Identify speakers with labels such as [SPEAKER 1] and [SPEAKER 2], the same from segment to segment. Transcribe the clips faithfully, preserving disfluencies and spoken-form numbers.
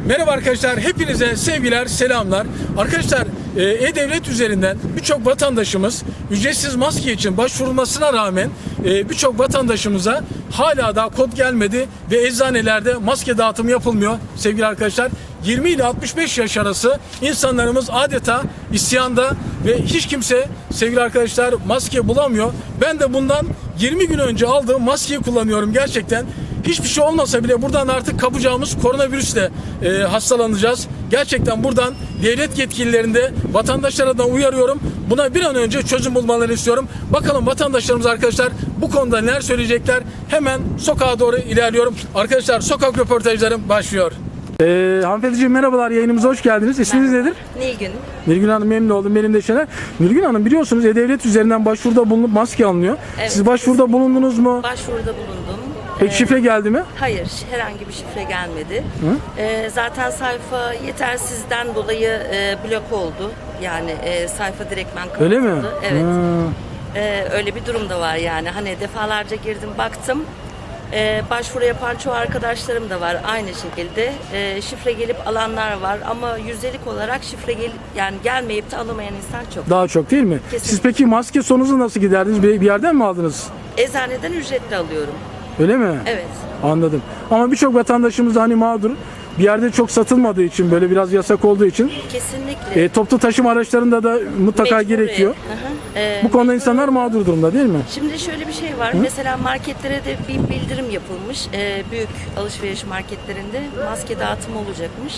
[SPEAKER 1] Merhaba arkadaşlar, hepinize sevgiler, selamlar. Arkadaşlar, E-Devlet üzerinden birçok vatandaşımız ücretsiz maske için başvurulmasına rağmen birçok vatandaşımıza hala daha kod gelmedi ve eczanelerde maske dağıtımı yapılmıyor sevgili arkadaşlar. yirmi ile altmış beş yaş arası insanlarımız adeta isyanda ve hiç kimse sevgili arkadaşlar maske bulamıyor. Ben de bundan yirmi gün önce aldığım maskeyi kullanıyorum gerçekten. Hiçbir şey olmasa bile buradan artık kapacağımız koronavirüsle e, hastalanacağız. Gerçekten buradan devlet yetkililerinde vatandaşlara da uyarıyorum. Buna bir an önce çözüm bulmalarını istiyorum. Bakalım vatandaşlarımız arkadaşlar bu konuda neler söyleyecekler. Hemen sokağa doğru ilerliyorum. Arkadaşlar sokak röportajlarım başlıyor. Ee, hanımefendiciğim merhabalar, yayınımıza hoş geldiniz. İsminiz
[SPEAKER 2] Merhaba.
[SPEAKER 1] nedir?
[SPEAKER 2] Nilgün.
[SPEAKER 1] Nilgün Hanım, memnun oldum. Benim de Şener. Nilgün Hanım, biliyorsunuz E-Devlet üzerinden başvuruda bulunup maske alınıyor.
[SPEAKER 2] Evet.
[SPEAKER 1] Siz başvuruda bulundunuz mu?
[SPEAKER 2] Başvuruda bulundum.
[SPEAKER 1] Peki
[SPEAKER 2] Ee,
[SPEAKER 1] şifre geldi mi?
[SPEAKER 2] Hayır, herhangi bir şifre gelmedi.
[SPEAKER 1] Hı?
[SPEAKER 2] Ee, zaten sayfa yetersizden dolayı e, blok oldu. Yani e, sayfa direktmen kapatıldı.
[SPEAKER 1] Öyle mi?
[SPEAKER 2] Evet.
[SPEAKER 1] Ha.
[SPEAKER 2] Ee, öyle bir durum da var yani. Hani defalarca girdim, baktım. Ee, başvuru yapan çoğu arkadaşlarım da var aynı şekilde. Ee, şifre gelip alanlar var ama yüzdelik olarak şifre gelip yani gelmeyip de alamayan insan çok.
[SPEAKER 1] Daha çok değil mi?
[SPEAKER 2] Kesinlikle.
[SPEAKER 1] Siz peki maske sonunuzu nasıl giderdiniz? Bir bir yerden mi aldınız?
[SPEAKER 2] Eczaneden ücretli alıyorum.
[SPEAKER 1] Öyle mi?
[SPEAKER 2] Evet.
[SPEAKER 1] Anladım. Ama birçok vatandaşımız da hani mağdur. Bir yerde çok satılmadığı için, böyle biraz yasak olduğu için
[SPEAKER 2] Kesinlikle.
[SPEAKER 1] e, toplu taşıma araçlarında da mutlaka
[SPEAKER 2] Mecburi.
[SPEAKER 1] gerekiyor.
[SPEAKER 2] Hı hı. Ee,
[SPEAKER 1] Bu konuda insanlar mağdur durumda değil mi?
[SPEAKER 2] Şimdi şöyle bir şey var. Mesela marketlere de bir bildirim yapılmış. Ee, büyük alışveriş marketlerinde maske dağıtımı olacakmış.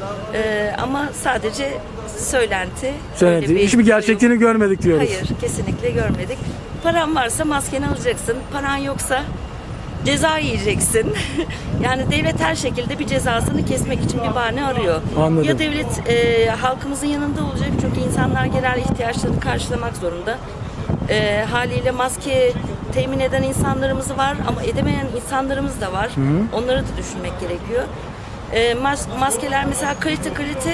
[SPEAKER 2] Ee, ama sadece söylenti.
[SPEAKER 1] Söyledi.
[SPEAKER 2] Öyle bir
[SPEAKER 1] Hiçbir gerçekliğini
[SPEAKER 2] duyum-
[SPEAKER 1] görmedik diyoruz.
[SPEAKER 2] Hayır, kesinlikle görmedik. Paran varsa maskeni alacaksın. Paran yoksa ceza yiyeceksin. Yani devlet her şekilde bir cezasını kesmek için bir bahane arıyor.
[SPEAKER 1] Anladım.
[SPEAKER 2] Ya devlet e, halkımızın yanında olacak çünkü insanlar genel ihtiyaçlarını karşılamak zorunda. E, haliyle maske temin eden insanlarımız var ama edemeyen insanlarımız da var. Onları da düşünmek gerekiyor. E, mas- maskeler mesela kalite kalite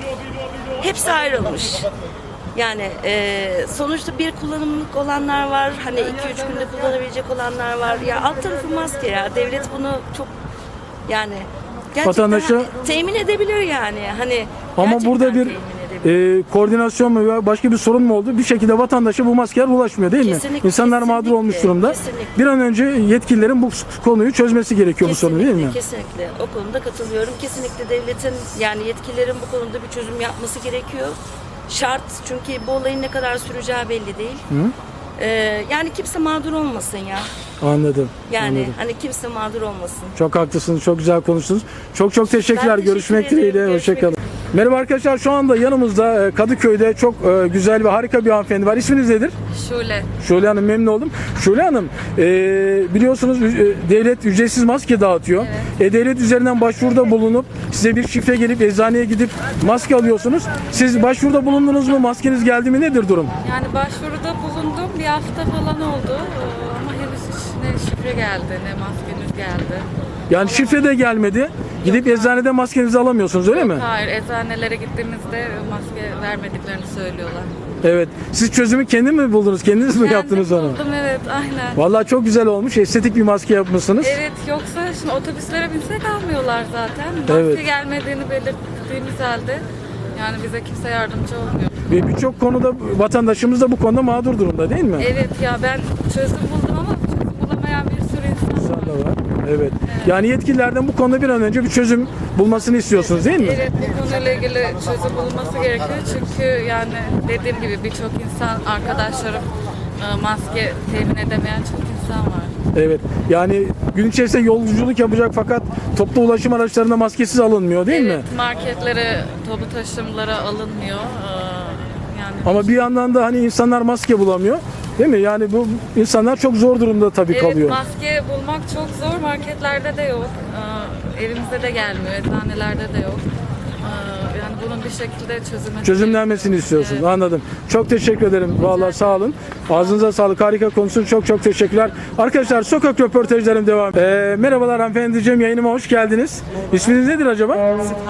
[SPEAKER 2] hepsi ayrılmış. Yani e, sonuçta bir kullanımlık olanlar var, hani iki üç günde kullanabilecek olanlar var. Ya alt tarafı maske ya, devlet bunu çok yani gerçekten
[SPEAKER 1] Vatandaşa-
[SPEAKER 2] hani temin edebilir yani. Hani
[SPEAKER 1] Ama
[SPEAKER 2] gerçekten
[SPEAKER 1] burada bir
[SPEAKER 2] temin edebilir.
[SPEAKER 1] e, koordinasyon mu veya başka bir sorun mu oldu? Bir şekilde vatandaşa bu maskeler ulaşmıyor değil mi?
[SPEAKER 2] Kesinlikle,
[SPEAKER 1] İnsanlar mağdur
[SPEAKER 2] kesinlikle,
[SPEAKER 1] olmuş durumda.
[SPEAKER 2] kesinlikle.
[SPEAKER 1] Bir an önce yetkililerin bu konuyu çözmesi gerekiyor bu sorunu değil mi?
[SPEAKER 2] Kesinlikle. O konuda katılıyorum. Kesinlikle devletin yani yetkililerin bu konuda bir çözüm yapması gerekiyor. Şart, çünkü bu olayın ne kadar süreceği belli değil. Ee, yani kimse mağdur olmasın ya.
[SPEAKER 1] Anladım.
[SPEAKER 2] Yani
[SPEAKER 1] anladım.
[SPEAKER 2] hani kimse mağdur olmasın.
[SPEAKER 1] Çok haklısınız. Çok güzel konuştunuz. Çok çok teşekkürler.
[SPEAKER 2] teşekkür
[SPEAKER 1] Görüşmek
[SPEAKER 2] ederim.
[SPEAKER 1] dileğiyle.
[SPEAKER 2] Görüşmek
[SPEAKER 1] Hoşçakalın. Merhaba arkadaşlar. Şu anda yanımızda e, Kadıköy'de çok e, güzel ve harika bir hanımefendi var. İsminiz nedir?
[SPEAKER 3] Şule.
[SPEAKER 1] Şule Hanım, memnun oldum. Şule Hanım, e, biliyorsunuz e, devlet ücretsiz maske dağıtıyor. E, devlet üzerinden başvuruda bulunup size bir şifre gelip eczaneye gidip maske alıyorsunuz. Siz başvuruda bulundunuz mu? Maskeniz geldi mi? Nedir durum?
[SPEAKER 3] Yani başvuruda bulundum. Bir hafta falan oldu. Ee, Ama henüz hiç ne şifre geldi ne maskeniz geldi.
[SPEAKER 1] Yani şifre de gelmedi. Gidip eczanede maskenizi alamıyorsunuz öyle mi?
[SPEAKER 3] Hayır, eczanelere gittiğimizde maske vermediklerini söylüyorlar.
[SPEAKER 1] Evet. Siz çözümü kendiniz mi buldunuz? Kendiniz mi yaptınız
[SPEAKER 3] Kendim
[SPEAKER 1] onu?
[SPEAKER 3] buldum, evet, aynen.
[SPEAKER 1] Vallahi çok güzel olmuş. Estetik bir maske yapmışsınız.
[SPEAKER 3] Evet, yoksa şimdi otobüslere binsek almıyorlar zaten. Maske
[SPEAKER 1] Evet.
[SPEAKER 3] gelmediğini belirttiğimiz halde yani bize kimse yardımcı olmuyor.
[SPEAKER 1] Ve birçok konuda vatandaşımız da bu konuda mağdur durumda değil mi?
[SPEAKER 3] Evet ya, ben çözüm buldum ama çözüm bulamayan bir sürü insan
[SPEAKER 1] İnsan
[SPEAKER 3] var.
[SPEAKER 1] da var. Evet. Yani yetkililerden bu konuda bir an önce bir çözüm bulmasını istiyorsunuz değil mi?
[SPEAKER 3] Evet, bu konuyla ilgili çözüm bulunması gerekiyor çünkü yani dediğim gibi birçok insan, arkadaşlarım e, maske temin edemeyen çok insan var.
[SPEAKER 1] Evet. Yani gün içerisinde yolculuk yapacak fakat toplu ulaşım araçlarında maskesiz alınmıyor değil mi?
[SPEAKER 3] Evet, marketlere, toplu taşımlara alınmıyor. E, Yani
[SPEAKER 1] Ama bir yandan da hani insanlar maske bulamıyor. Değil mi? Yani bu insanlar çok zor durumda tabii
[SPEAKER 3] evet,
[SPEAKER 1] kalıyor.
[SPEAKER 3] maske bulmak çok zor, marketlerde de yok. E, Evimize de gelmiyor, eczanelerde de yok. E, Yani bunun bir şekilde çözümü
[SPEAKER 1] Çözümlenmesini istiyorsunuz.
[SPEAKER 3] Evet.
[SPEAKER 1] Anladım. Çok teşekkür ederim. Vallahi sağ olun. Ağzınıza sağlık. Harika konusun. Çok çok teşekkürler. Arkadaşlar sokak röportajlarım devam. Ee, merhabalar hanımefendiciğim. Yayınıma hoş geldiniz. İsminiz nedir acaba?
[SPEAKER 4] Süphan.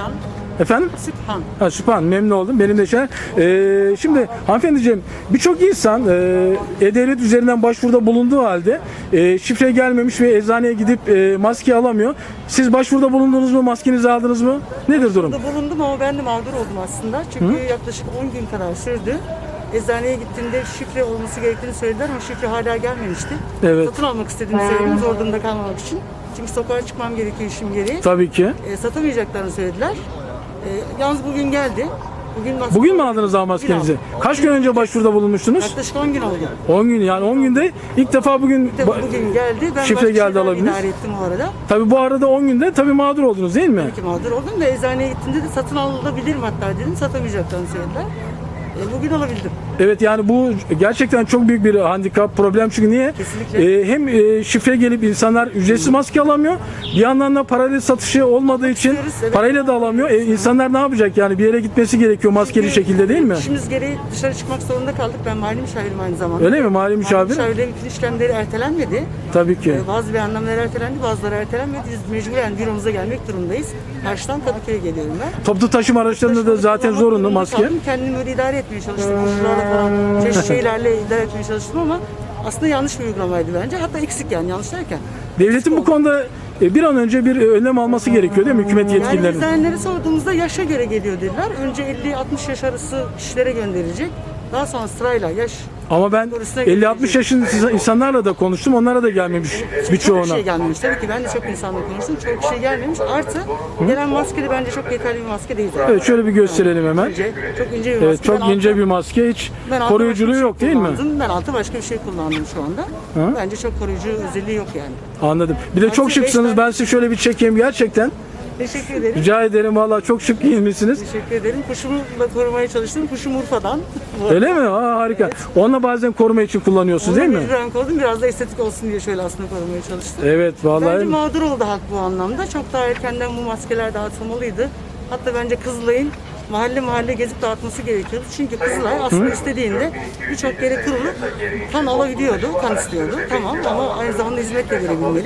[SPEAKER 1] Efendim?
[SPEAKER 4] Sübhan.
[SPEAKER 1] Ha, Sübhan, memnun oldum. Benim de şey. Ee, şimdi hanımefendiciğim, birçok insan e, E-Devlet üzerinden başvuruda bulunduğu halde e, şifre gelmemiş ve eczaneye gidip e, maske alamıyor. Siz başvuruda bulundunuz mu? Maskenizi aldınız mı? Nedir durum?
[SPEAKER 4] Burada bulundum ama ben de mağdur oldum aslında. Çünkü yaklaşık on gün kadar sürdü. Eczaneye gittiğimde şifre olması gerektiğini söylediler ama şifre hala gelmemişti.
[SPEAKER 1] Evet.
[SPEAKER 4] Satın almak istediğimi söyledim zor durumda kalmamak için. Çünkü sokağa çıkmam gerekiyor işim gereği.
[SPEAKER 1] Tabii ki.
[SPEAKER 4] E, satamayacaklarını söylediler. E, yalnız bugün geldi. Bugün, maske-
[SPEAKER 1] Bugün mü aldınız daha maskenizi?
[SPEAKER 4] Bugün aldım.
[SPEAKER 1] Kaç gün önce başvuruda bulunmuştunuz?
[SPEAKER 4] Yaklaşık on gün oldu.
[SPEAKER 1] on gün, yani on günde ilk defa bugün
[SPEAKER 4] Tabii bugün geldi. Ben
[SPEAKER 1] şifre
[SPEAKER 4] başka
[SPEAKER 1] geldi
[SPEAKER 4] şeylerle
[SPEAKER 1] alabildiniz.
[SPEAKER 4] idare ettim o arada.
[SPEAKER 1] Tabii bu arada on günde tabii mağdur oldunuz değil mi?
[SPEAKER 4] Ki mağdur oldum da eczaneye gittiğimde de satın alabilirim hatta dedim. Satamayacaklarını söylediler. E, bugün alabildim.
[SPEAKER 1] Evet, yani bu gerçekten çok büyük bir handikap, problem. Çünkü niye?
[SPEAKER 4] Kesinlikle.
[SPEAKER 1] Ee, hem e, şifre gelip insanlar ücretsiz maske alamıyor. Bir yandan da parayla satışı olmadığı için
[SPEAKER 4] istiyoruz, evet.
[SPEAKER 1] parayla da alamıyor. E, insanlar ne yapacak? Yani bir yere gitmesi gerekiyor maskeli
[SPEAKER 4] Çünkü
[SPEAKER 1] şekilde değil mi?
[SPEAKER 4] İşimiz gereği dışarı çıkmak zorunda kaldık. Ben mali müşavirim aynı zamanda.
[SPEAKER 1] Öyle mi? Mali müşavir?
[SPEAKER 4] Müşavirlerin bütün işlemleri ertelenmedi.
[SPEAKER 1] Tabii ki.
[SPEAKER 4] Ee, Bazı beyannameler ertelendi, bazıları ertelenmedi. Biz mecburen büromuza gelmek durumundayız. Karşıdan Kadıköy'e geliyorum ben.
[SPEAKER 1] Toplu taşıma araçlarında da zaten
[SPEAKER 4] Kullanmak
[SPEAKER 1] zorunlu
[SPEAKER 4] durumunda
[SPEAKER 1] maske.
[SPEAKER 4] kaldım. Kendimi öyle idare etmeye çalıştım. Koşullarla falan, çeşitli şeylerle idare etmeye çalıştım ama aslında yanlış bir uygulamaydı bence. Hatta eksik yani yanlış derken.
[SPEAKER 1] Devletin bu konuda e, bir an önce bir önlem alması gerekiyor değil mi hükümet
[SPEAKER 4] Yani
[SPEAKER 1] yetkililerinin?
[SPEAKER 4] eczanelere sorduğumuzda yaşa göre geliyor dediler. Önce elli altmış yaş arası kişilere gönderilecek. Daha sonra sırayla yaş.
[SPEAKER 1] Ama ben elli altmış yaşın insanlarla da konuştum. Onlara da gelmemiş
[SPEAKER 4] Çok
[SPEAKER 1] birçoğuna.
[SPEAKER 4] şey gelmemiş. Tabii ki ben de çok insanla konuştum. Çok şey gelmemiş. Artı gelen maske de bence çok yeterli bir maske değil zaten.
[SPEAKER 1] Evet, şöyle bir gösterelim hemen.
[SPEAKER 4] İnce, çok ince bir maske.
[SPEAKER 1] Evet, çok
[SPEAKER 4] Ben
[SPEAKER 1] ince
[SPEAKER 4] altı-
[SPEAKER 1] bir maske, hiç
[SPEAKER 4] ben altı
[SPEAKER 1] koruyuculuğu
[SPEAKER 4] başka bir
[SPEAKER 1] yok
[SPEAKER 4] şey
[SPEAKER 1] değil mi?
[SPEAKER 4] kullandım. Ben altı başka bir şey kullandım şu anda.
[SPEAKER 1] Hı?
[SPEAKER 4] Bence çok koruyucu özelliği yok yani.
[SPEAKER 1] Anladım. Bir de çok
[SPEAKER 4] Aslında beş
[SPEAKER 1] şıksınız.
[SPEAKER 4] tane-
[SPEAKER 1] Ben size şöyle bir çekeyim gerçekten.
[SPEAKER 4] Teşekkür ederim.
[SPEAKER 1] Rica ederim, vallahi çok şık giyinmişsiniz.
[SPEAKER 4] Teşekkür ederim. Kuşumu da korumaya çalıştım. Kuşum Urfa'dan.
[SPEAKER 1] Öyle mi? Aa, harika. Onunla bazen koruma için kullanıyorsunuz değil mi?
[SPEAKER 4] Bir renk oldum. Biraz da estetik olsun diye şöyle aslında korumaya çalıştım.
[SPEAKER 1] Evet,
[SPEAKER 4] Bence
[SPEAKER 1] vallahi.
[SPEAKER 4] mağdur oldu halk bu anlamda. Çok daha erkenden bu maskeler dağıtılmalıydı. Hatta bence Kızılay'ın mahalle mahalle gezip dağıtması gerekiyordu. Çünkü Kızılay aslında istediğinde birçok yere kurulup kan alabiliyordu, kan istiyordu. Tamam ama aynı zamanda hizmet de verebilmeli.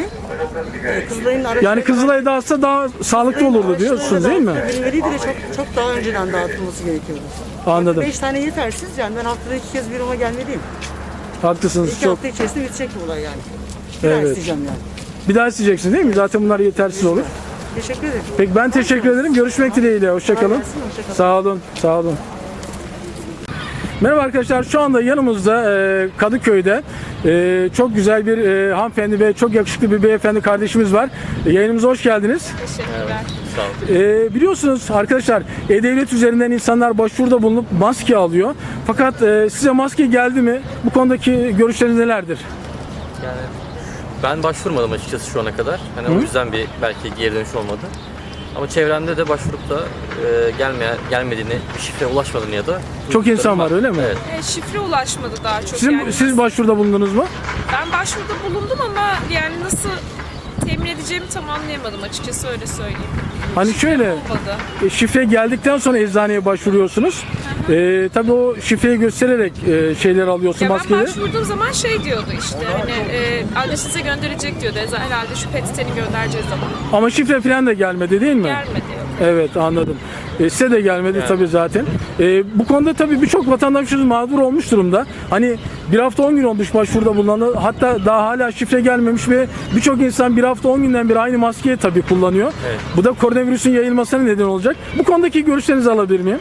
[SPEAKER 4] Ee, Kızılay'ın araçları...
[SPEAKER 1] Yani Kızılay'da dağıtsa daha sağlıklı olurdu diyorsunuz değil mi?
[SPEAKER 4] Verilmeliydi ve çok, çok daha önceden dağıtılması gerekiyordu.
[SPEAKER 1] Anladım.
[SPEAKER 4] Beş tane yetersiz yani ben haftada iki kez büroma gelmeliyim.
[SPEAKER 1] Haklısınız
[SPEAKER 4] İki
[SPEAKER 1] çok.
[SPEAKER 4] hafta içerisinde bitecek bu olay yani. Bir daha
[SPEAKER 1] Evet.
[SPEAKER 4] isteyeceğim yani.
[SPEAKER 1] Bir daha isteyeceksiniz değil mi? Zaten bunlar yetersiz olur.
[SPEAKER 4] Teşekkür ederim.
[SPEAKER 1] Peki, ben teşekkür ederim. Görüşmek dileğiyle. Hoşçakalın.
[SPEAKER 4] Kolay gelsin, hoşça kalın.
[SPEAKER 1] Sağ olun. Sağ olun. Merhaba arkadaşlar. Şu anda yanımızda e, Kadıköy'de e, çok güzel bir e, hanımefendi ve çok yakışıklı bir beyefendi kardeşimiz var. E, yayınımıza hoş geldiniz.
[SPEAKER 3] Teşekkürler.
[SPEAKER 1] E, biliyorsunuz arkadaşlar, E-Devlet üzerinden insanlar başvuruda bulunup maske alıyor. Fakat e, size maske geldi mi? Bu konudaki görüşleriniz nelerdir?
[SPEAKER 5] Yani ben başvurmadım açıkçası şu ana kadar. Hani o yüzden bir belki geri dönüş olmadı. Ama çevremde de başvurup da e, gelmeye, gelmediğini, bir şifreye ulaşmadığını ya da...
[SPEAKER 1] Çok insan var, öyle mi?
[SPEAKER 5] Evet.
[SPEAKER 6] E, şifre ulaşmadı daha çok.
[SPEAKER 1] Sizin,
[SPEAKER 6] yani.
[SPEAKER 1] siz başvuruda bulundunuz mu?
[SPEAKER 6] Ben başvuruda bulundum ama yani nasıl temin edeceğimi tam anlayamadım açıkçası, öyle söyleyeyim.
[SPEAKER 1] Hani şöyle,
[SPEAKER 6] Olmadı.
[SPEAKER 1] e, şifre geldikten sonra eczaneye başvuruyorsunuz. E, tabii o şifreyi göstererek e, şeyler alıyorsun,
[SPEAKER 6] Ya ben
[SPEAKER 1] maskeleri.
[SPEAKER 6] başvurduğum zaman şey diyordu işte hani e, adresinize gönderecek diyordu. Eza- Herhalde şu petiteni göndereceğiz zaman.
[SPEAKER 1] Ama şifre falan da gelmedi değil mi?
[SPEAKER 6] Gelmedi.
[SPEAKER 1] Evet, anladım. E, size de gelmedi tabii zaten. E, bu konuda tabii birçok vatandaşımız mağdur olmuş durumda. Hani bir hafta on gün olmuş başvuruda bulunan, hatta daha hala şifre gelmemiş ve birçok insan bir hafta on günden beri aynı maskeyi tabii kullanıyor.
[SPEAKER 5] Evet.
[SPEAKER 1] Bu da koronavirüsün yayılmasına neden olacak. Bu konudaki görüşlerinizi alabilir miyim?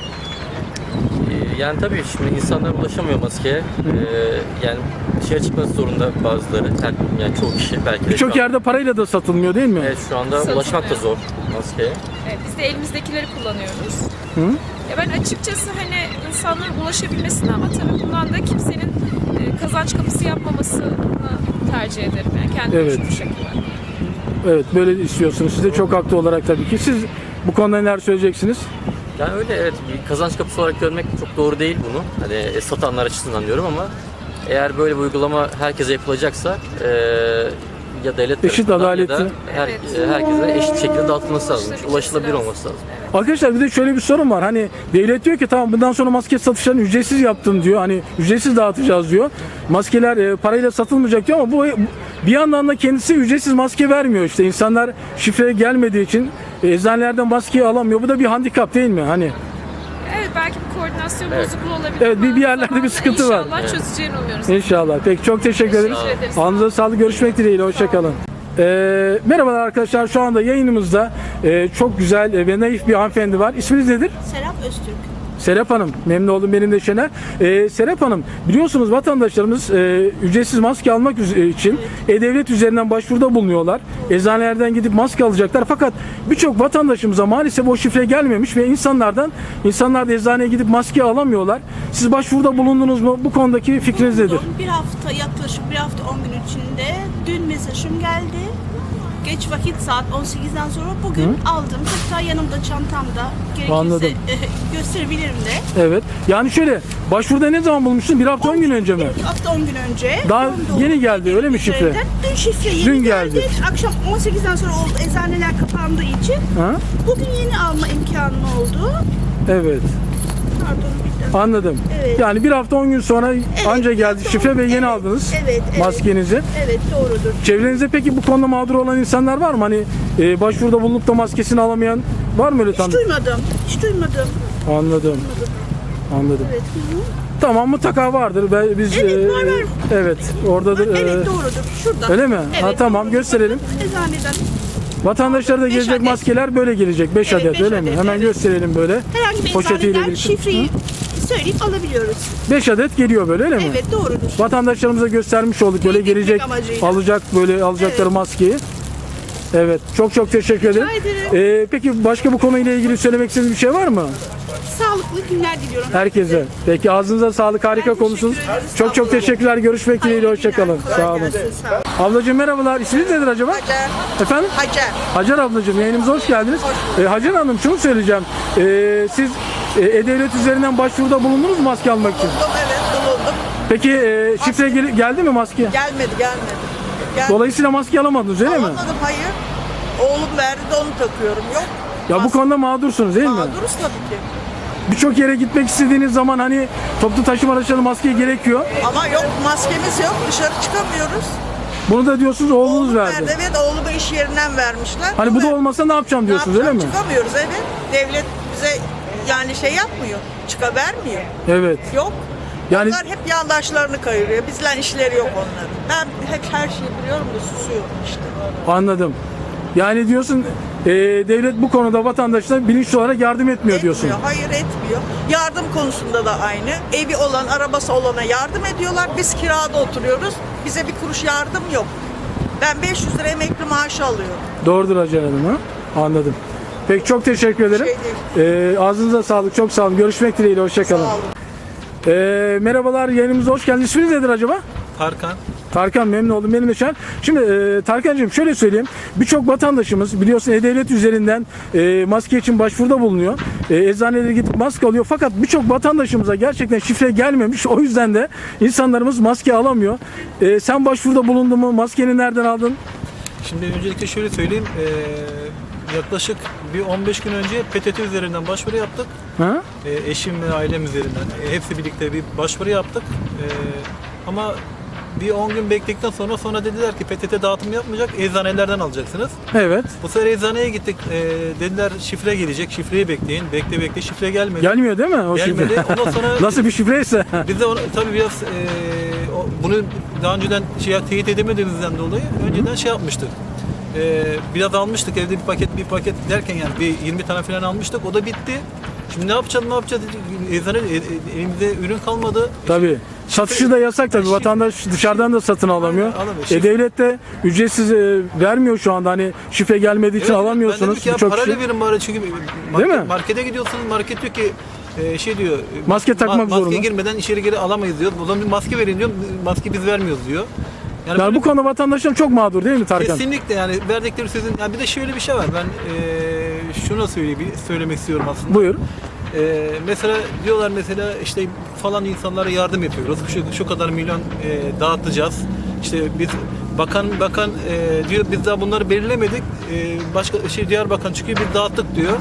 [SPEAKER 5] E, Yani tabii şimdi insanlar ulaşamıyor maskeye. E, yani dışarı çıkması zorunda bazıları. Yani, yani çoğu kişi belki de
[SPEAKER 1] Birçok
[SPEAKER 5] şu an-
[SPEAKER 1] yerde parayla da satılmıyor değil mi?
[SPEAKER 5] Evet, şu anda
[SPEAKER 6] Satılmıyor.
[SPEAKER 5] ulaşmak da zor maskeye.
[SPEAKER 6] Evet, biz de elimizdekileri kullanıyoruz. Ya ben açıkçası hani insanların ulaşabilmesini ama tabii bundan da kimsenin e, kazanç kapısı yapmamasını tercih ederim. Yani kendim
[SPEAKER 1] Evet.
[SPEAKER 6] şu şekilde.
[SPEAKER 1] Evet, böyle istiyorsunuz. Siz de çok haklı olarak tabii ki. Siz bu konuda neler söyleyeceksiniz?
[SPEAKER 5] Yani öyle, evet, bir kazanç kapısı olarak görmek çok doğru değil bunu. Hani e, satanlar açısından diyorum ama eğer böyle bir uygulama herkese yapılacaksa e, ya devlet
[SPEAKER 1] Eşit,
[SPEAKER 5] tarafından
[SPEAKER 1] adaletli.
[SPEAKER 5] ya da her, e, herkese eşit şekilde dağıtılması lazım. Ulaşılabilir olması lazım.
[SPEAKER 1] Arkadaşlar bir de şöyle bir sorun var. Hani devlet diyor ki tamam, bundan sonra maske satışlarını ücretsiz yaptım diyor. Hani ücretsiz dağıtacağız diyor. Maskeler e, parayla satılmayacak diyor ama bu bir yandan da kendisi ücretsiz maske vermiyor işte. İnsanlar şifreye gelmediği için e, eczanelerden maskeyi alamıyor. Bu da bir handikap değil mi? Hani
[SPEAKER 6] Evet, belki bir koordinasyon
[SPEAKER 5] Evet.
[SPEAKER 6] bozukluğu olabilir.
[SPEAKER 1] Evet, bir-
[SPEAKER 6] ama
[SPEAKER 1] bir yerlerde
[SPEAKER 6] zamanla
[SPEAKER 1] bir sıkıntı var.
[SPEAKER 6] İnşallah çözeceğini umuyoruz.
[SPEAKER 1] İnşallah. Peki çok teşekkür ederim.
[SPEAKER 6] Teşekkür ederiz.
[SPEAKER 1] Ağzınıza sağlık. Görüşmek dileğiyle. Hoşçakalın. Ee, merhabalar arkadaşlar. Şu anda yayınımızda e, çok güzel e, ve naif bir hanımefendi var. İsminiz nedir?
[SPEAKER 7] Serap Öztürk.
[SPEAKER 1] Serap Hanım. Memnun oldum. Benim de Şener. Ee, Serap Hanım, biliyorsunuz vatandaşlarımız e, ücretsiz maske almak üz- için E-Devlet üzerinden başvuruda bulunuyorlar. Eczanelerden gidip maske alacaklar. Fakat birçok vatandaşımıza maalesef o şifre gelmemiş ve insanlardan insanlar da eczaneye gidip maske alamıyorlar. Siz başvuruda bulundunuz mu? Bu konudaki fikriniz nedir?
[SPEAKER 7] Bulundum. Bir hafta, yaklaşık bir hafta on gün içinde dün mesajım geldi. Geç vakit saat on sekizden sonra bugün aldım. Hatta yanımda çantamda.
[SPEAKER 1] Anladım.
[SPEAKER 7] Gerekirse e, gösterebilirim de.
[SPEAKER 1] Evet. Yani şöyle, başvuruda ne zaman bulmuştun? Bir hafta on gün önce mi?
[SPEAKER 7] Bir hafta on gün önce.
[SPEAKER 1] Daha
[SPEAKER 7] Doğum
[SPEAKER 1] yeni geldi, öyle mi şifre?
[SPEAKER 7] üzerinden. Dün şifre yeni
[SPEAKER 1] Dün
[SPEAKER 7] geldi.
[SPEAKER 1] geldi.
[SPEAKER 7] Akşam on sekizden sonra oldu. Eczaneler kapandığı için.
[SPEAKER 1] Ha?
[SPEAKER 7] Bugün yeni alma imkanım oldu.
[SPEAKER 1] Evet.
[SPEAKER 7] Pardon bir dakika.
[SPEAKER 1] Anladım.
[SPEAKER 7] Evet.
[SPEAKER 1] Yani bir hafta on gün sonra anca
[SPEAKER 7] bir
[SPEAKER 1] geldi
[SPEAKER 7] hafta
[SPEAKER 1] şifre
[SPEAKER 7] on-
[SPEAKER 1] ve yeni
[SPEAKER 7] evet,
[SPEAKER 1] aldınız
[SPEAKER 7] evet, evet.
[SPEAKER 1] maskenizi.
[SPEAKER 7] Evet, doğrudur.
[SPEAKER 1] Çevrenizde peki bu konuda mağdur olan insanlar var mı? Hani e, başvuruda bulunup da maskesini alamayan var mı öyle
[SPEAKER 7] Hiç
[SPEAKER 1] tanıdık?
[SPEAKER 7] duymadım. Hiç duymadım.
[SPEAKER 1] Anladım. Anladım.
[SPEAKER 7] Evet. Hı hı.
[SPEAKER 1] Tamam, mutlaka vardır. Ben, biz
[SPEAKER 7] Evet,
[SPEAKER 1] e,
[SPEAKER 7] var, var.
[SPEAKER 1] Evet, oradadır.
[SPEAKER 7] Evet,
[SPEAKER 1] E,
[SPEAKER 7] doğrudur. Şurada.
[SPEAKER 1] öyle mi?
[SPEAKER 7] Evet,
[SPEAKER 1] Ha, tamam,
[SPEAKER 7] doğrudur.
[SPEAKER 1] gösterelim.
[SPEAKER 7] Eczaneden.
[SPEAKER 1] Vatandaşlara da
[SPEAKER 7] Beş
[SPEAKER 1] gelecek
[SPEAKER 7] adet.
[SPEAKER 1] maskeler böyle gelecek. beş
[SPEAKER 7] Evet,
[SPEAKER 1] adet
[SPEAKER 7] beş
[SPEAKER 1] öyle mi?
[SPEAKER 7] adet,
[SPEAKER 1] Hemen
[SPEAKER 7] evet.
[SPEAKER 1] gösterelim böyle.
[SPEAKER 7] Herhangi bir
[SPEAKER 1] Poşetiyle
[SPEAKER 7] eczaneden
[SPEAKER 1] birlikte.
[SPEAKER 7] şifreyi söyleyip alabiliyoruz.
[SPEAKER 1] beş adet geliyor böyle öyle mi?
[SPEAKER 7] Evet, doğrudur.
[SPEAKER 1] Vatandaşlarımıza göstermiş olduk böyle
[SPEAKER 7] Teyit etmek
[SPEAKER 1] gelecek
[SPEAKER 7] amacıyla.
[SPEAKER 1] alacak böyle alacakları
[SPEAKER 7] Evet.
[SPEAKER 1] maskeyi. Evet, çok çok teşekkür ederim.
[SPEAKER 7] ederim.
[SPEAKER 1] Ee, peki başka bu konuyla ilgili söylemek istediğiniz bir şey var mı?
[SPEAKER 7] Sağlıklı günler diliyorum.
[SPEAKER 1] Herkese. Peki ağzınıza sağlık, harika
[SPEAKER 7] Ben
[SPEAKER 1] konuştunuz.
[SPEAKER 7] teşekkür ederim.
[SPEAKER 1] Çok çok
[SPEAKER 7] Sağ olun.
[SPEAKER 1] teşekkürler. Görüşmek dileğiyle.
[SPEAKER 7] Hayırlı
[SPEAKER 1] Hoşçakalın.
[SPEAKER 7] günler. Kolay
[SPEAKER 1] Sağ olun.
[SPEAKER 7] gelsin, sağ olun.
[SPEAKER 1] Ablacığım merhabalar. İsminiz nedir acaba?
[SPEAKER 8] Hacer.
[SPEAKER 1] Efendim?
[SPEAKER 8] Hacer.
[SPEAKER 1] Hacer ablacığım, yayınımıza hoş geldiniz. Ee, Hacer Hanım, şunu söyleyeceğim. Ee, siz e, E-Devlet üzerinden başvuruda bulundunuz mu maske almak için?
[SPEAKER 8] Bulundum, evet bulundum.
[SPEAKER 1] Peki e, şifre gel- geldi mi maske?
[SPEAKER 8] Gelmedi gelmedi. Gel
[SPEAKER 1] Dolayısıyla maske alamadınız öyle mi?
[SPEAKER 8] Alamadım, hayır. Oğlum verdi de onu takıyorum. Yok.
[SPEAKER 1] Ya bu
[SPEAKER 8] Maske-
[SPEAKER 1] konuda mağdursunuz değil mi?
[SPEAKER 8] Mağduruz tabii ki.
[SPEAKER 1] Birçok yere gitmek istediğiniz zaman hani toplu taşıma araçları maske gerekiyor.
[SPEAKER 8] Ama yok, maskemiz yok. Dışarı çıkamıyoruz.
[SPEAKER 1] Bunu da diyorsunuz oğlunuz
[SPEAKER 8] Oğlum
[SPEAKER 1] verdi.
[SPEAKER 8] verdi. Evet, oğlumu iş yerinden vermişler.
[SPEAKER 1] Hani bu da
[SPEAKER 8] ver-
[SPEAKER 1] olmasa ne yapacağım
[SPEAKER 8] Ne
[SPEAKER 1] diyorsunuz öyle mi?
[SPEAKER 8] yapacağım? Çıkamıyoruz, evet. Devlet bize yani şey yapmıyor. Çıkavermiyor.
[SPEAKER 1] Evet.
[SPEAKER 8] Yok.
[SPEAKER 1] Yani
[SPEAKER 8] Onlar hep yandaşlarını kayırıyor. Bizle işleri yok onların. Ben hep her şeyi biliyorum da susuyorum işte.
[SPEAKER 1] anladım. Yani diyorsun e, devlet bu konuda vatandaşlara bilinçli olarak yardım etmiyor diyorsun.
[SPEAKER 8] Etmiyor, hayır etmiyor. Yardım konusunda da aynı. Evi olan, arabası olana yardım ediyorlar. Biz kirada oturuyoruz. Bize bir kuruş yardım yok. Ben beş yüz lira emekli maaşı alıyorum.
[SPEAKER 1] Doğrudur Hacer Hanım, ha? Anladım. Peki çok teşekkür ederim.
[SPEAKER 8] Şey
[SPEAKER 1] E, ağzınıza sağlık, çok sağ olun. Görüşmek dileğiyle, hoşçakalın.
[SPEAKER 8] Sağ olun.
[SPEAKER 1] E, merhabalar, yayınımıza hoş geldiniz. İsminiz nedir acaba?
[SPEAKER 9] Tarkan.
[SPEAKER 1] Tarkan, memnun oldum. Benim de Şen. Şimdi e, Tarkan'cığım şöyle söyleyeyim. Birçok vatandaşımız biliyorsun E-Devlet üzerinden e, maske için başvuruda bulunuyor. E, eczanelere gidip maske alıyor. Fakat birçok vatandaşımıza gerçekten şifre gelmemiş. O yüzden de insanlarımız maske alamıyor. E, sen başvuruda bulundun mu? Maskeni nereden aldın?
[SPEAKER 9] Şimdi öncelikle şöyle söyleyeyim. Ee, yaklaşık bir on beş gün önce P T T üzerinden başvuru yaptık.
[SPEAKER 1] Ha?
[SPEAKER 9] Ee, eşim ve ailem üzerinden. Ee, hepsi birlikte bir başvuru yaptık. Ee, ama bir on gün bekledikten sonra sonra dediler ki P T T dağıtım yapmayacak, eczanelerden alacaksınız.
[SPEAKER 1] Evet.
[SPEAKER 9] Bu sefer eczaneye gittik. Ee, dediler şifre gelecek, şifreyi bekleyin. Bekle bekle şifre gelmedi.
[SPEAKER 1] Gelmiyor değil mi o
[SPEAKER 9] Gelmedi.
[SPEAKER 1] şifre?
[SPEAKER 9] Ondan sonra
[SPEAKER 1] Nasıl bir şifreyse.
[SPEAKER 9] Biz de onu, tabii biraz e, o- bunu daha önceden şey, teyit edemediğimizden dolayı önceden şey yapmıştık. E, biraz almıştık evde bir paket bir paket derken yani bir yirmi tane falan almıştık, o da bitti. Şimdi ne yapacağız ne yapacağız eczane e, e, elimizde ürün kalmadı.
[SPEAKER 1] Tabii. Satışı da yasak tabii. Vatandaş dışarıdan da satın alamıyor.
[SPEAKER 9] Aynen, alamıyor.
[SPEAKER 1] E, devlet de ücretsiz e, vermiyor şu anda. Hani şifre gelmediği için
[SPEAKER 9] Evet, Ben
[SPEAKER 1] alamıyorsunuz.
[SPEAKER 9] dedim ki ya
[SPEAKER 1] Birçok
[SPEAKER 9] parayla
[SPEAKER 1] kişi.
[SPEAKER 9] verin bari çünkü market,
[SPEAKER 1] Değil mi?
[SPEAKER 9] markete gidiyorsun, market diyor ki e, şey diyor.
[SPEAKER 1] Maske takmak
[SPEAKER 9] maske
[SPEAKER 1] zorunda.
[SPEAKER 9] girmeden içeri geri alamayız diyor. O zaman bir maske verin diyor. Maske biz vermiyoruz diyor.
[SPEAKER 1] Yani
[SPEAKER 9] böyle
[SPEAKER 1] bu konuda vatandaşlar çok mağdur değil mi Tarkan?
[SPEAKER 9] Kesinlikle yani verdikleri sözün yani bir de şöyle bir şey var ben eee şunu söyleyeyim söylemek istiyorum aslında.
[SPEAKER 1] Buyur.
[SPEAKER 9] Eee, mesela diyorlar mesela işte falan insanlara yardım yapıyoruz. Şu, şu kadar milyon eee, dağıtacağız. İşte biz bakan bakan eee, diyor biz daha bunları belirlemedik. Eee, başka şey diğer bakan çıkıyor biz dağıttık diyor.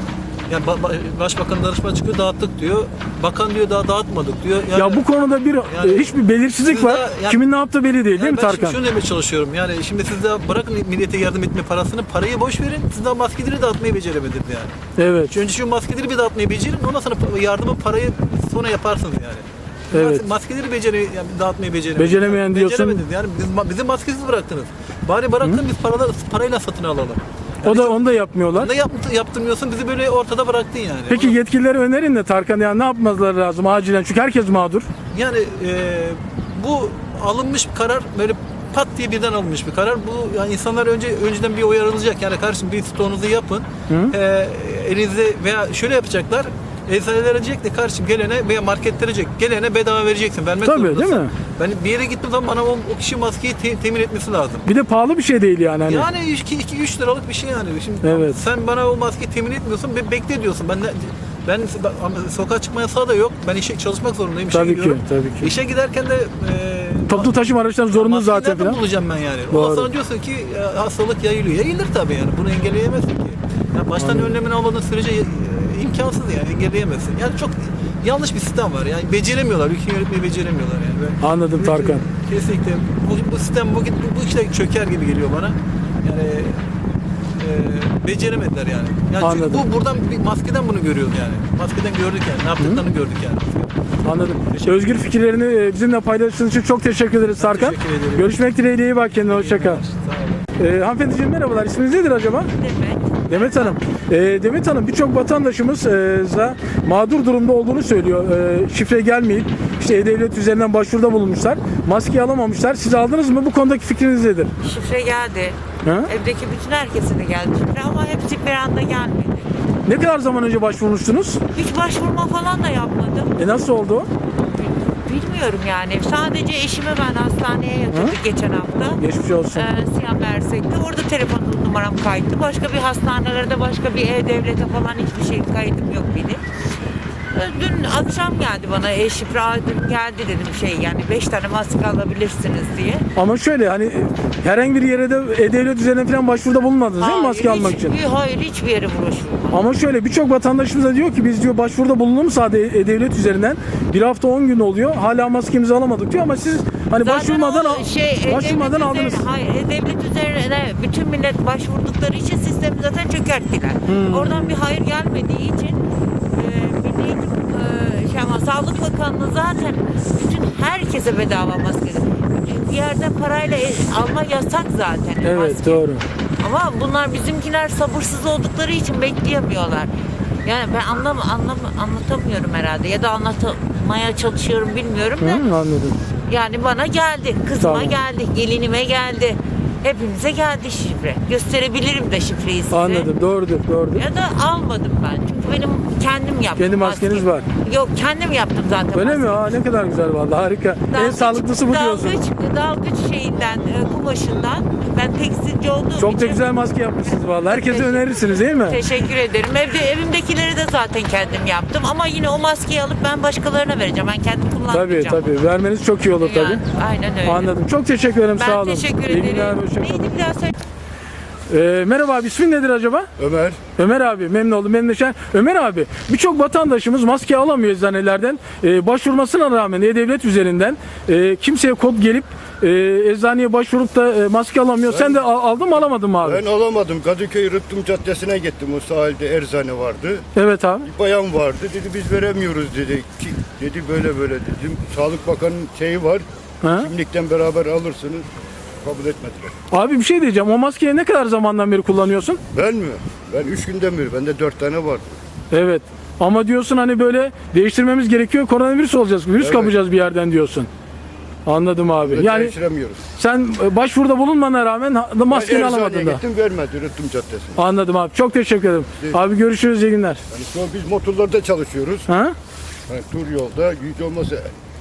[SPEAKER 9] Yani ba- ba- başbakan danışma çıkıyor dağıttık diyor. Bakan diyor daha dağıtmadık diyor. Yani,
[SPEAKER 1] Ya bu konuda bir
[SPEAKER 9] Yani-
[SPEAKER 1] e, hiçbir belirsizlik
[SPEAKER 9] Siz
[SPEAKER 1] var.
[SPEAKER 9] de- yani-
[SPEAKER 1] Kimin ne yaptığı belli değil, değil
[SPEAKER 9] yani
[SPEAKER 1] mi
[SPEAKER 9] ben
[SPEAKER 1] Tarkan?
[SPEAKER 9] şimdi şunu demeye çalışıyorum. Yani şimdi siz de bırakın millete yardım etme parasını, parayı boş verin. Siz daha maskeleri dağıtmayı beceremediniz yani.
[SPEAKER 1] Evet.
[SPEAKER 9] Önce şu maskeleri bir dağıtmayı becerin. Ondan sonra yardımı, parayı sonra yaparsınız yani.
[SPEAKER 1] Evet.
[SPEAKER 9] Mas- Maskeleri becere, yani dağıtmayı beceremediniz.
[SPEAKER 1] Beceremeyen diyorsun.
[SPEAKER 9] Beceremediniz. Yani biz, bizi maskesiz bıraktınız. Bari bırakın biz paralar, parayla satın alalım.
[SPEAKER 1] O da onu da yapmıyorlar.
[SPEAKER 9] Ne yaptı, yaptırmıyorsun bizi böyle ortada bıraktın yani.
[SPEAKER 1] Peki
[SPEAKER 9] Onu-
[SPEAKER 1] yetkilileri önerin de Tarkan ya ne yapmaları lazım acilen çünkü herkes mağdur.
[SPEAKER 9] Yani e, bu alınmış bir karar böyle pat diye birden alınmış bir karar. Bu yani insanlar önce önceden bir uyarılacak. Yani kardeşim bir stoğunuzu yapın. E, elinizde veya şöyle yapacaklar. Eczaneler diyecek de kardeşim gelene veya marketlere diyecek gelene bedava vereceksin. Vermek
[SPEAKER 1] Tabii,
[SPEAKER 9] zorundasın.
[SPEAKER 1] değil mi?
[SPEAKER 9] Ben bir yere gittiğim zaman bana o, o kişi maskeyi te- temin etmesi lazım.
[SPEAKER 1] Bir de pahalı bir şey değil yani hani.
[SPEAKER 9] Yani iki üç liralık bir şey yani. Şimdi
[SPEAKER 1] Evet.
[SPEAKER 9] sen bana o maskeyi temin etmiyorsun, be, bekle diyorsun. Ben de, ben ben- sokağa çıkma yasağı da yok. Ben işe çalışmak zorundayım. İşe
[SPEAKER 1] Tabii ki,
[SPEAKER 9] gidiyorum.
[SPEAKER 1] tabii ki.
[SPEAKER 9] İşe giderken de e,
[SPEAKER 1] Toplu taşıma araçları zorunlu
[SPEAKER 9] maskeyi
[SPEAKER 1] zaten
[SPEAKER 9] nereden
[SPEAKER 1] falan.
[SPEAKER 9] bulacağım ben yani?
[SPEAKER 1] Doğru.
[SPEAKER 9] Ondan sonra diyorsun ki e, hastalık yayılıyor. Yayılır tabii yani. Bunu engelleyemezsin ki. Yani baştan
[SPEAKER 1] Anladım.
[SPEAKER 9] önlemini almadığın sürece e, imkansız yani engelleyemezsin. Yani çok yanlış bir sistem var. Yani beceremiyorlar. Ülkeyi yönetmeyi beceremiyorlar yani. Ve
[SPEAKER 1] Anladım
[SPEAKER 9] ülke-
[SPEAKER 1] Tarkan.
[SPEAKER 9] Kesinlikle. Bu, bu sistem bu, bu, bu işte çöker gibi geliyor bana. Yani e, beceremediler yani. yani çünkü
[SPEAKER 1] Anladım.
[SPEAKER 9] bu buradan bir maskeden bunu görüyoruz yani. Maskeden gördük yani. Ne yaptıklarını gördük yani.
[SPEAKER 1] Anladım. Özgür fikirlerini e, bizimle paylaştığınız için çok teşekkür ederiz Tarkan.
[SPEAKER 9] teşekkür ederim.
[SPEAKER 1] Görüşmek dileğiyle, iyi bak kendine, hoşça kal.
[SPEAKER 9] Sağ olun.
[SPEAKER 1] Ee, hanımefendiciğim merhabalar, isminiz nedir acaba?
[SPEAKER 2] Demek.
[SPEAKER 1] Demet Hanım. Ee, Demet Hanım birçok vatandaşımız e, za- mağdur durumda olduğunu söylüyor. Ee, şifre gelmeyip işte E-Devlet üzerinden başvuruda bulunmuşlar. Maske alamamışlar. Siz aldınız mı? Bu konudaki fikriniz nedir?
[SPEAKER 10] Şifre geldi.
[SPEAKER 1] Ha?
[SPEAKER 10] Evdeki bütün herkese de geldi şifre ama hepsi bir anda gelmedi.
[SPEAKER 1] Ne kadar zaman önce başvurmuştunuz?
[SPEAKER 10] Hiç başvurma falan da yapmadım.
[SPEAKER 1] E nasıl oldu o?
[SPEAKER 10] Bilmiyorum yani. Sadece eşimi ben hastaneye yatırdık geçen hafta.
[SPEAKER 1] Geçmiş olsun.
[SPEAKER 10] Ee, Siyah Mersek'te. Orada telefon numaram kayıtlı. Başka bir hastanelerde başka bir E-Devlet'e falan hiçbir şey kaydım yok benim. Ee, Dün akşam geldi bana e-şifre aldım, geldi dedim şey yani beş tane maske alabilirsiniz diye.
[SPEAKER 1] Ama şöyle hani herhangi bir yere de E-Devlet üzerinden falan başvuruda bulunmadınız değil mi maske
[SPEAKER 10] Hayır,
[SPEAKER 1] almak
[SPEAKER 10] hiç-
[SPEAKER 1] için?
[SPEAKER 10] Hayır hiçbir yere bulaşmadım.
[SPEAKER 1] Ama şöyle birçok vatandaşımız da diyor ki biz diyor başvuruda bulundum sadece E-Devlet üzerinden. Bir hafta on gün oluyor. Hala maskemizi alamadık diyor ama siz hani
[SPEAKER 10] Zaten
[SPEAKER 1] başvurmadan
[SPEAKER 10] o
[SPEAKER 1] al-
[SPEAKER 10] şey,
[SPEAKER 1] başvurmadan
[SPEAKER 10] E-Devlet
[SPEAKER 1] aldınız.
[SPEAKER 10] üzerine- hayır, E-Devlet üzerine bütün millet başvurdukları için sistemi zaten çökerttiler.
[SPEAKER 1] Hmm.
[SPEAKER 10] Oradan bir hayır gelmediği için e, Milli Eğitim, e, şey ama Sağlık Bakanlığı zaten bütün herkese bedava maske. Bir yerden parayla e- alma yasak zaten.
[SPEAKER 1] Evet
[SPEAKER 10] maske.
[SPEAKER 1] doğru.
[SPEAKER 10] Ama bunlar bizimkiler sabırsız oldukları için bekleyemiyorlar. Yani ben anlam anlam anlatamıyorum herhalde ya da anlatmaya çalışıyorum bilmiyorum da.
[SPEAKER 1] Hı, anladım.
[SPEAKER 10] Yani bana geldi, kızıma
[SPEAKER 1] Tamam.
[SPEAKER 10] geldi, gelinime geldi. Hepimize geldi şifre. Gösterebilirim de şifreyi size.
[SPEAKER 1] Anladım. Doğrudur, doğrudur.
[SPEAKER 10] Ya da almadım ben. Çünkü benim kendim yaptım.
[SPEAKER 1] Kendi maskeniz
[SPEAKER 10] maske.
[SPEAKER 1] var.
[SPEAKER 10] Yok kendim yaptım zaten.
[SPEAKER 1] Öyle mi?
[SPEAKER 10] maskeyi.
[SPEAKER 1] Aa, ne kadar güzel vallahi harika. en
[SPEAKER 10] Dalgıç-
[SPEAKER 1] sağlıklısı bu diyorsun.
[SPEAKER 10] Dalgıç, dalgıç şeyinden, e, kumaşından. Ben tekstilci olduğum
[SPEAKER 1] Çok da
[SPEAKER 10] için.
[SPEAKER 1] güzel maske yapmışsınız vallahi. Herkese
[SPEAKER 10] Teşekkür-
[SPEAKER 1] önerirsiniz değil mi?
[SPEAKER 10] Teşekkür ederim. Evde evimdekileri de zaten kendim yaptım ama yine o maskeyi alıp ben başkalarına vereceğim. Ben kendim
[SPEAKER 1] Tabii
[SPEAKER 10] kullanmayacağım.
[SPEAKER 1] tabii. Vermeniz çok iyi olur tabii.
[SPEAKER 10] Yani, aynen öyle.
[SPEAKER 1] Anladım. Çok teşekkür ederim.
[SPEAKER 10] Ben
[SPEAKER 1] Sağ olun.
[SPEAKER 10] teşekkür
[SPEAKER 1] İyi
[SPEAKER 10] ederim.
[SPEAKER 1] günler. Hoşça kalın.
[SPEAKER 10] Neydi bir daha söyle.
[SPEAKER 1] Ee, merhaba abi, ismin nedir acaba?
[SPEAKER 11] Ömer.
[SPEAKER 1] Ömer abi, memnun oldum. Memnun şen. Ömer abi, birçok vatandaşımız maske alamıyor eczanelerden. Ee, başvurmasına rağmen E-Devlet üzerinden e, kimseye kod gelip e, eczaneye başvurup da e, maske alamıyor. Sen de al- aldın mı alamadın mı abi?
[SPEAKER 11] Ben alamadım. Kadıköy Rıhtım Caddesi'ne gittim. O sahilde erzane vardı.
[SPEAKER 1] Evet abi.
[SPEAKER 11] Bir bayan vardı. Dedi biz veremiyoruz dedi. Ki, dedi böyle böyle dedim. Sağlık Bakanı'nın şeyi var.
[SPEAKER 1] Ha?
[SPEAKER 11] Kimlikten beraber alırsınız. Kabul etmediler.
[SPEAKER 1] Abi bir şey diyeceğim. O maskeyi ne kadar zamandan beri kullanıyorsun?
[SPEAKER 11] Ben mi? Ben üç günden beri. Bende dört tane vardı.
[SPEAKER 1] Evet. Ama diyorsun hani böyle değiştirmemiz gerekiyor. Koronavirüs olacağız. Virüs
[SPEAKER 11] Evet.
[SPEAKER 1] kapacağız bir yerden diyorsun. Anladım abi.
[SPEAKER 11] Böyle
[SPEAKER 1] Yani
[SPEAKER 11] değiştiremiyoruz.
[SPEAKER 1] sen e, başvuruda bulunmana rağmen ha-
[SPEAKER 11] Ben
[SPEAKER 1] maskeni
[SPEAKER 11] eczaneye
[SPEAKER 1] alamadın da.
[SPEAKER 11] gittim vermedi Rıhtım Caddesi'ne.
[SPEAKER 1] Anladım abi. Çok teşekkür ederim. Abi görüşürüz. İyi günler.
[SPEAKER 11] Yani şu an biz motorlarda çalışıyoruz.
[SPEAKER 1] Ha?
[SPEAKER 11] Yani tur yolda hiç olmazsa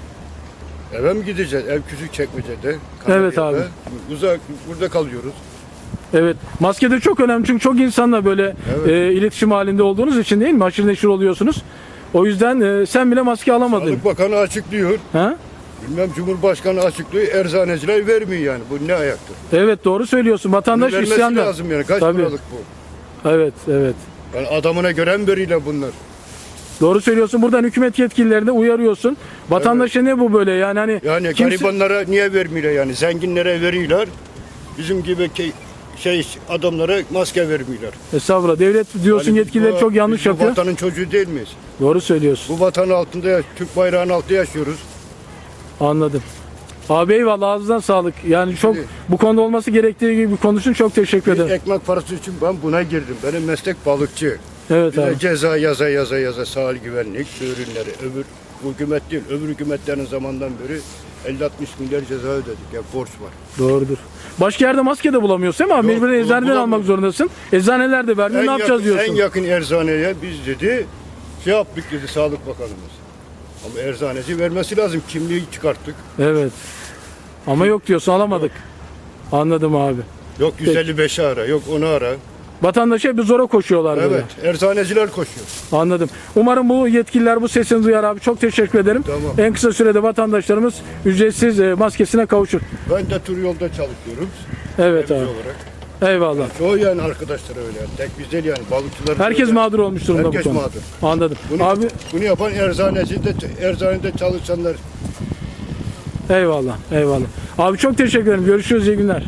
[SPEAKER 11] eve mi gideceğiz? Ev küçük çekmecede.
[SPEAKER 1] Evet
[SPEAKER 11] Kanarya'da.
[SPEAKER 1] abi.
[SPEAKER 11] Uzak burada kalıyoruz.
[SPEAKER 1] Evet. Maske de çok önemli çünkü çok insanla böyle
[SPEAKER 11] Evet.
[SPEAKER 1] e, iletişim halinde olduğunuz için değil mi? Haşır neşir oluyorsunuz. O yüzden e, sen bile maske alamadın.
[SPEAKER 11] Sağlık Bakanı açıklıyor.
[SPEAKER 1] Ha?
[SPEAKER 11] Bilmem Cumhurbaşkanı açıklıyor. Erzaneciler vermiyor yani. Bu ne ayaktır?
[SPEAKER 1] Evet doğru söylüyorsun.
[SPEAKER 11] Bunu
[SPEAKER 1] Vatandaş
[SPEAKER 11] vermesi
[SPEAKER 1] isyanda.
[SPEAKER 11] lazım yani. Kaç
[SPEAKER 1] Tabii.
[SPEAKER 11] liralık bu?
[SPEAKER 1] Evet, evet.
[SPEAKER 11] Yani adamına gören veriyle bunlar.
[SPEAKER 1] Doğru söylüyorsun. Buradan hükümet yetkililerine uyarıyorsun. Vatandaşa ne bu böyle yani hani
[SPEAKER 11] Yani
[SPEAKER 1] kimse-
[SPEAKER 11] garibanlara niye vermiyorlar yani? Zenginlere veriyorlar. Bizim gibi ke- şey adamlara maske vermiyorlar.
[SPEAKER 1] Estağfurullah. Devlet diyorsun
[SPEAKER 11] Yani
[SPEAKER 1] yetkileri
[SPEAKER 11] bu-
[SPEAKER 1] çok yanlış
[SPEAKER 11] biz bu
[SPEAKER 1] yapıyor.
[SPEAKER 11] vatanın çocuğu değil miyiz?
[SPEAKER 1] Doğru söylüyorsun.
[SPEAKER 11] Bu vatanın altında, ya- Türk bayrağının altında yaşıyoruz.
[SPEAKER 1] Anladım. Abi eyvallah, ağzından sağlık. Yani çok
[SPEAKER 11] Şimdi-
[SPEAKER 1] bu konuda olması gerektiği gibi konuşun. Çok teşekkür
[SPEAKER 11] Bir
[SPEAKER 1] ederim.
[SPEAKER 11] ekmek parası için ben buna girdim. Benim meslek balıkçı.
[SPEAKER 1] Evet
[SPEAKER 11] Bir de
[SPEAKER 1] abi.
[SPEAKER 11] ceza yaza yaza yaza sahil güvenlik, su ürünleri, öbür bu hükümet değil, öbür hükümetlerin zamandan beri elli altmış milyar ceza ödedik. Ya borç var.
[SPEAKER 1] Doğrudur. Başka yerde maske de bulamıyorsun değil mi abi?
[SPEAKER 11] Yok,
[SPEAKER 1] Mecburen
[SPEAKER 11] bul-
[SPEAKER 1] eczaneden
[SPEAKER 11] bulamıyorum.
[SPEAKER 1] almak zorundasın. Eczaneler de vermiyor. Ne yapacağız
[SPEAKER 11] yakın,
[SPEAKER 1] diyorsun.
[SPEAKER 11] En yakın eczaneye biz dedi, şey yaptık dedi Sağlık Bakanımız. Ama eczaneci vermesi lazım. Kimliği çıkarttık.
[SPEAKER 1] Evet. Ama yok diyorsun, alamadık. Anladım abi.
[SPEAKER 11] Yok yüz elli beşi ara, yok onu ara.
[SPEAKER 1] Vatandaşa bir zora koşuyorlar böyle.
[SPEAKER 11] Evet, eczaneciler koşuyor.
[SPEAKER 1] Anladım. Umarım bu yetkililer bu sesini duyar abi. Çok teşekkür ederim.
[SPEAKER 11] Tamam.
[SPEAKER 1] En kısa sürede vatandaşlarımız ücretsiz e, maskesine kavuşur.
[SPEAKER 11] Ben de tur yolda çalışıyorum.
[SPEAKER 1] Evet
[SPEAKER 11] temizci
[SPEAKER 1] abi.
[SPEAKER 11] olarak.
[SPEAKER 1] Eyvallah.
[SPEAKER 11] Çoğu yani arkadaşlar öyle. Yani. Tek biz değil yani balıkçılar.
[SPEAKER 1] Herkes
[SPEAKER 11] öyle.
[SPEAKER 1] mağdur olmuş durumda
[SPEAKER 11] Herkes
[SPEAKER 1] bu konuda.
[SPEAKER 11] mağdur.
[SPEAKER 1] Anladım.
[SPEAKER 11] Bunu,
[SPEAKER 1] Abi
[SPEAKER 11] bunu yapan eczaneci de, eczanede çalışanlar.
[SPEAKER 1] eyvallah. Eyvallah. Abi çok teşekkür ederim. Görüşürüz. İyi günler.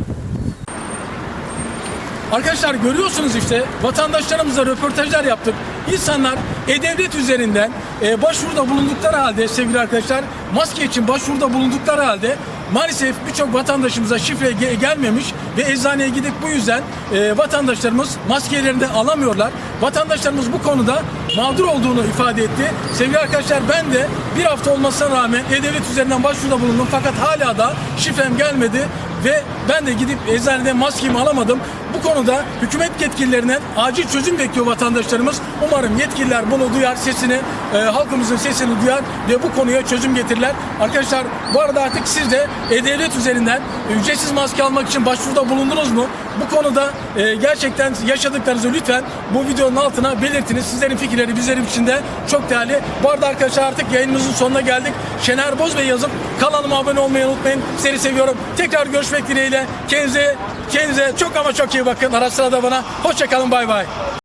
[SPEAKER 1] Arkadaşlar görüyorsunuz işte vatandaşlarımızla röportajlar yaptık. İnsanlar E-Devlet üzerinden e, başvuruda bulundukları halde sevgili arkadaşlar maske için başvuruda bulundukları halde maalesef birçok vatandaşımıza şifre ge- gelmemiş ve eczaneye gidip bu yüzden e, vatandaşlarımız maskelerini de alamıyorlar. Vatandaşlarımız bu konuda mağdur olduğunu ifade etti. Sevgili arkadaşlar ben de bir hafta olmasına rağmen E-Devlet üzerinden başvuruda bulundum fakat hala da şifrem gelmedi ve ben de gidip eczaneden maskemi alamadım. Bu konuda hükümet yetkililerinden acil çözüm bekliyor vatandaşlarımız. Umarım yetkililer bunu duyar, sesini, e, halkımızın sesini duyar ve bu konuya çözüm getirirler. Arkadaşlar bu arada artık siz de E-Devlet üzerinden ücretsiz maske almak için başvuruda bulundunuz mu? Bu konuda e, gerçekten yaşadıklarınızı lütfen bu videonun altına belirtiniz. Sizlerin fikirleri bizlerin için de çok değerli. Bu arada arkadaşlar artık yayınımızın sonuna geldik. Şener Bozbey yazıp kanalıma abone olmayı unutmayın. Seni seviyorum. Tekrar görüşmek dileğiyle. Kendinize, kendinize çok ama çok iyi bakın. Ara sıra da bana. Hoşça kalın. Bay bay.